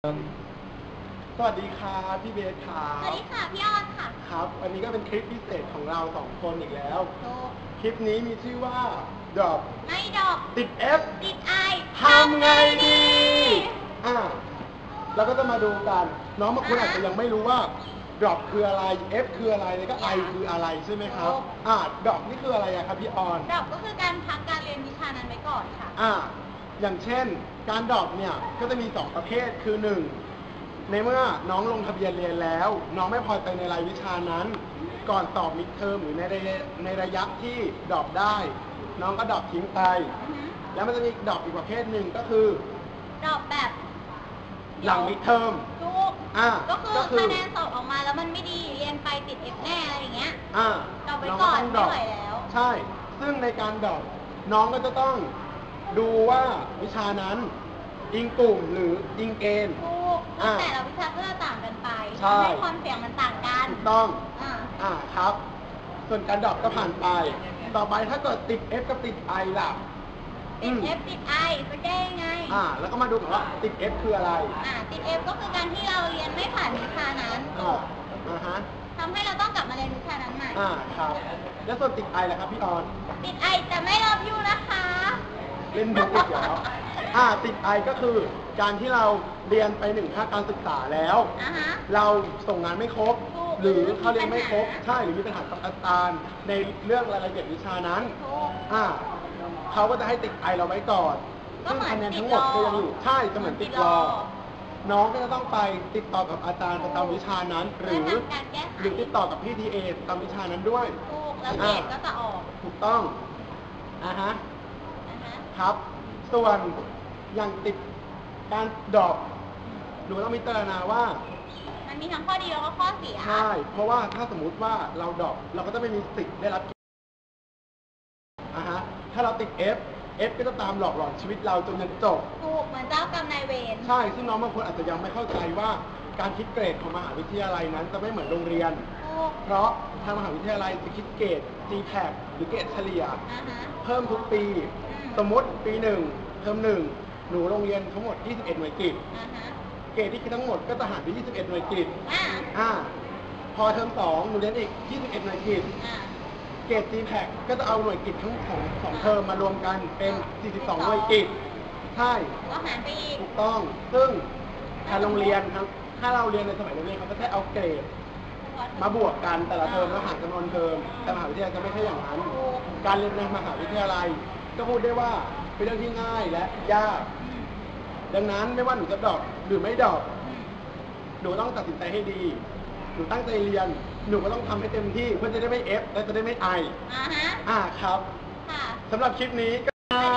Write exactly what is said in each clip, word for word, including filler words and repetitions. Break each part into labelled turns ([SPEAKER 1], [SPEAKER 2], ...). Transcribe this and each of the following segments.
[SPEAKER 1] สวัสดีค่ะพี่เบสค่ะ
[SPEAKER 2] สวัสดีค่ะพี่ออนค่ะ
[SPEAKER 1] ครับวันนี้ก็เป็นคลิปพิเศษของเราสองคนอีกแล้ว
[SPEAKER 2] ถูก
[SPEAKER 1] คลิปนี้มีชื่อว่า Drop
[SPEAKER 2] ไม่ดอก
[SPEAKER 1] ติด F
[SPEAKER 2] ติดไอ
[SPEAKER 1] ทำไงดีอ่าเราก็จะมาดูกันน้องบางคนอาจจะยังไม่รู้ว่า Drop คืออะไร F คืออะไรแล้วก็ I คืออะไรใช่ไหมครับอ่า Drop นี่คืออะไรอะครับพี่ออน
[SPEAKER 2] ดอกก็คือการพักการเรียนวิชานั้นไว้ก่อนค่ะ
[SPEAKER 1] อ่าอย่างเช่นการดรอปเนี่ยก็จะมีสองประเภทคือหนึ่งในเมื่อน้องลงทะเบียนเรียนแล้ว น้องไม่พอใจในรายวิชานั้น ก่อนสอบมิดเทอมหรือในระยะในระยะที่ดรอปได้ น้องก็ดรอปทิ้งไป แล้วมันจะมีดรอปอีกประเภทหนึ่งก็คือ
[SPEAKER 2] ดอกแบบ
[SPEAKER 1] หลังมิดเทอม
[SPEAKER 2] ถูก
[SPEAKER 1] อ่า
[SPEAKER 2] ก็คือคะแนนสอบออกมาแล้วมันไม่ดีเรียนไปติดเอฟแน่อะไรอย่างเงี้ย
[SPEAKER 1] อ่า
[SPEAKER 2] ดรอปไว้ก่อนไม่ไหวแล้ว
[SPEAKER 1] ใช่ซึ่งในการดรอปน้องก็จะต้องดูว่าวิชานั้นอิงกลุ่มหรืออิงเกณฑ์
[SPEAKER 2] ถูกแต่ละวิชาก็จะต่างกันไป
[SPEAKER 1] ใช่
[SPEAKER 2] ให้ความเสี่ยงมันต่างกัน
[SPEAKER 1] ถูกต้อง
[SPEAKER 2] อ่า
[SPEAKER 1] อ่าครับ ส่วนการดรอปก็ผ่านไป ต่อไปถ้าเกิดติด F กับติด I ล่ะ
[SPEAKER 2] ติด F ติด I จะแก้ยังไง
[SPEAKER 1] อ่าแล้วก็มาดูกันว่าติด F คืออะไร
[SPEAKER 2] อ่าติด F ก็คือการที่เราเรียนไม่ผ่านวิชานั้น
[SPEAKER 1] อ่าอ่าฮะ
[SPEAKER 2] ทำให้เราต้องกลับมาเรียนวิชานั้นใหม่
[SPEAKER 1] อ่าครับแล้วส่วนติด I ล่ะครับพี่ออน
[SPEAKER 2] ติด I แต่ไม่รับยูนะคะ
[SPEAKER 1] เล่นมุกอีกแล้วอ่าติด I ก็คือการที่เราเรียนไปหนึ่งภาคการศึกษาแล้วเราส่งงานไม่ครบหรือเขาเรียนไม่ครบใช่หรือมีปัญหากับอาจารย์ในเรื่องรายละเอียดวิชานั้นอ่าเขาก็จะให้ติด I เราไว้ก่อนซึ่งคะแนนทั้งหมดก็ยังอยู่ใช่จะเหมือนติดรอน้องก็จะต้องไปติดต่อกับอาจารย์ประจำวิชานั้นหรือหรือติดต่อกับพี่ทีเอประจำวิชานั้นด้วย
[SPEAKER 2] ถูกแล้วเกรดก็จะออก
[SPEAKER 1] ถูกต้องอ่าฮะครับส่วนอย่างติดการดรอปหนูต้องพิจารณาว่า
[SPEAKER 2] มันมีทั้งข้อดีแล้วก็ข้อเสีย
[SPEAKER 1] ใช่เพราะว่าถ้าสมมุติว่าเราดรอปเราก็จะไม่มีสิทธิ์ได้รับอ่าฮะถ้าเราติด F F ก็จะตามหลอกหลอนชีวิตเราจนจนจบ
[SPEAKER 2] ถูกเหมือนเจ้ากรรมนายเวร
[SPEAKER 1] ใช่ซึ่งน้องบางคนอาจจะยังไม่เข้าใจว่าการคิดเกรดของมหาวิทยาลัยนั้นจะไม่เหมือนโรงเรียนเพราะทางมหาวิทยาลัยจะคิดเกรด จี แพค หรือเกรดเฉลี่ยเพิ่มทุกปีสมมติปีหนึ่งเทอมหนึ่งหนูโรงเรียนทั้งหมดยี่สิบเอ็ดหน่วยกิตเกรดที่คิดทั้งหมดก็จะหารไปยี่สิบเอ็ดหน่วยกิตอ่าพอเทอมสองหนูเรียนอีกยี่สิบเอ็ดหน่วยกิตเกรด จี แพค ก็จะเอาหน่วยกิตทั้งของสองเทอมมารวมกันเป็นสี่สิบสองหน่วยกิตใช่
[SPEAKER 2] ก็หารไปอีก
[SPEAKER 1] ถูกต้องซึ่งทางโรงเรียนครับถ้าเราเรียนในสมัยโรงเรียนเขาก็แค่เอาเกรดมาบวกกันแต่ละเทอมแล้วหารจำนวนเทอมแต่มหาวิทยาลัยจะไม่ใช่อย่างนั้นการเรียนในมหาวิทยาลัยก็พูดได้ว่าเป็นเรื่องที่ง่ายและยากดังนั้นไม่ว่าหนูจะดรอปหรือไม่ดรอปหนูต้องตัดสินใจให้ดีหนูตั้งใจเรียนหนูก็ต้องทำให้เต็มที่เพื่อจะได้ไม่ F และจะได้ไม่ I
[SPEAKER 2] อ่าฮะ
[SPEAKER 1] อ่าครับสำหรับคลิปนี้ก็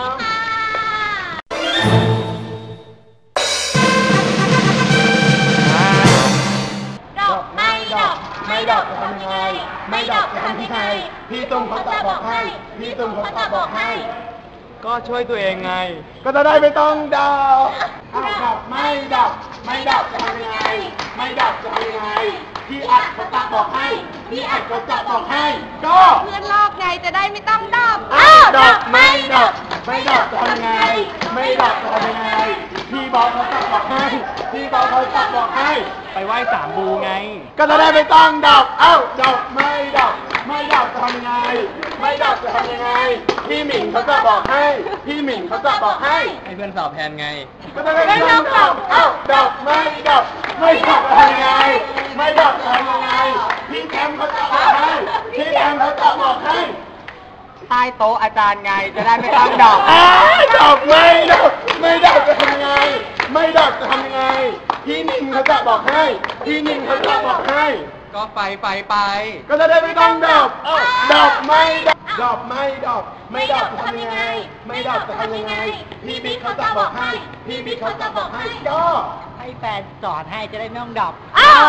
[SPEAKER 2] ไม่ดอก
[SPEAKER 1] ไม่ดอกจะทำยังไงไม่ดอกจะทำยังไงพี่ตุ้มเขาจะบอกให้พี่ตุ้มเขาจะบอกให้
[SPEAKER 3] ก็ช่วยตัวเองไง
[SPEAKER 1] ก็จะได้ไม่ต้องดอกอ้าวดอกไม่ดอกไม่ดอกจะทำยังไงไม่ดอกจะทำยังไงพี่อัดเขาจะบอกให้พี่อัดเขาจะบอกให้ก็
[SPEAKER 2] เพื่อนลอกไงจะได้ไม่ต้องดอก
[SPEAKER 1] อ้าวดอกไม่ดอกไม่ดอกจะทำยังไงไม่ดอกจะทำยังไงพี่บอกเขาจะบอกให้พี่บอกเขาจะบอกให้
[SPEAKER 3] ไปไหว้สามบูไง
[SPEAKER 1] ก็จะได้ไม่ต้องดอกเอ้าดอกไม่ดอกไม่ดอกจะทำยังไงไม่ดอกจะทำยังไงพี่หมิงเขาจะบอกให้พี่หมิงเขาจะบอกให้
[SPEAKER 3] ให้เพื่อนสอบแทนไง
[SPEAKER 1] ก็จะได้ไม่ต้องดอกเอ้าดอกไม่ดอกไม่ดอกจะทำยังไงไม่ดอกจะทำยังไงพี่แคมเขาจะบอกให้พี่แคมเขาจะบอกให้
[SPEAKER 3] ใต้โต๊ะอาจารย์ไงจะได้ไม่ต้องดอก
[SPEAKER 1] ดอกไม่ดอกไม่ดอกจะทำยังไงไม่ดอกจะทำยังไงพี่นิ่งเขาจะบอกให้พี่นิ่งเขาจะบอกให้
[SPEAKER 3] ก็ไปไปไป
[SPEAKER 1] ก็จะได้ไม่ต้องดอกดอกไม่ดอกดอกไม่ดอกไม่ดอกจะทำยังไงไม่ดอกจะทำยังไงพี่บิ๊กเขาจะบอกให้พี่บิ๊กเขาจะบอกให้ก็
[SPEAKER 3] ให้แฟนสอนให้จะได้ไม่ต้องดอก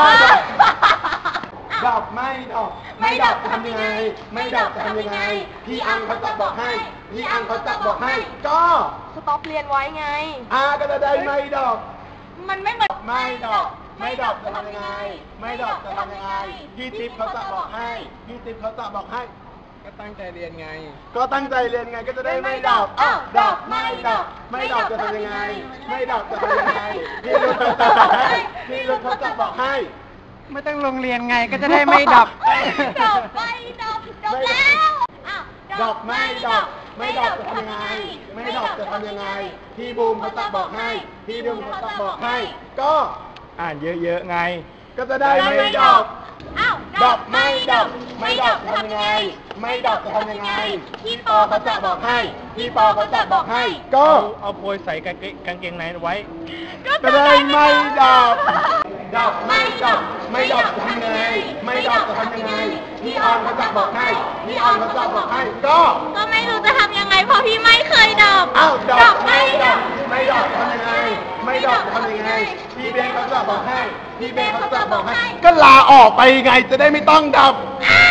[SPEAKER 1] ดอกไม่ดอกไม่ดอกจะทำยังไงไม่ดอกจะทำยังไงพี่อังเขาจะบอกให้พี่อังเขาจะบอกให้ก็
[SPEAKER 2] สต็อปเรียนไว้ไง
[SPEAKER 1] อ่าก็จะได้ไม่ดอก
[SPEAKER 2] มันไม่เหมือน
[SPEAKER 1] ไม่ดอกไม่ดอกจะทำยังไงไม่ดอกจะทำยังไงพี่ติ๊บเขาจะบอกให้พี่ติ๊บเขาจะบอกให้
[SPEAKER 3] ก็ตั้งใจเรียนไง
[SPEAKER 1] ก็ตั้งใจเรียนไงก็จะได้ไม่ดับอ้าวดับไม่ดับไม่ดับจะทำยังไง ไม่ดับจะทำยังไงพี่รุ่นเขาจะบอกให้พี่รุ่นเขาจะบอกให้
[SPEAKER 3] ไม่ต้องลงเรียนไงก็จะได้ไม่ดับ
[SPEAKER 2] ดับไม่ดับดับแล้วอ้าว
[SPEAKER 1] ดับไม่ดับไม่ดับจะทำยังไง ไม่ดับจะทำยังไงพี่บูมเขาจะบอกให้พี่บูมเขาจะบอกให้ ก็
[SPEAKER 3] อ่านเยอะๆไง
[SPEAKER 1] ก็จะได้ไม่ดับ
[SPEAKER 2] อ้าว
[SPEAKER 1] ดับไม่ดับไม่ดับจะทำยังไง ไม่ดับจะทำยังไงพี่ปอเขาจะบอกให้พี่ปอเขาจะบอกให้ ก็
[SPEAKER 3] เอาโพยใส่กางเกงกางเกงในไว้
[SPEAKER 1] ก็ได้ไม่ดับ ดับไม่ดับไม่ดับจะทำยังไง ไม่ดับจะทำยังไงพี่ออนเขาจะบอกให้พี่ออนเขาจะบอกให้ ก็
[SPEAKER 2] ก็ไม่รู้จะทำยังไงเพราะพี่ไม่เคยดับ
[SPEAKER 1] อ้าวดับไม่ดับไม่ดับจะทำยังไง ไม่ดับจะทำยังไงพี่เบนเขาจะบอกให้พี่เบนเขาจะบอกให้ ก็ลาออกไปไงจะได้ไม่ต้องดับ
[SPEAKER 2] อ้า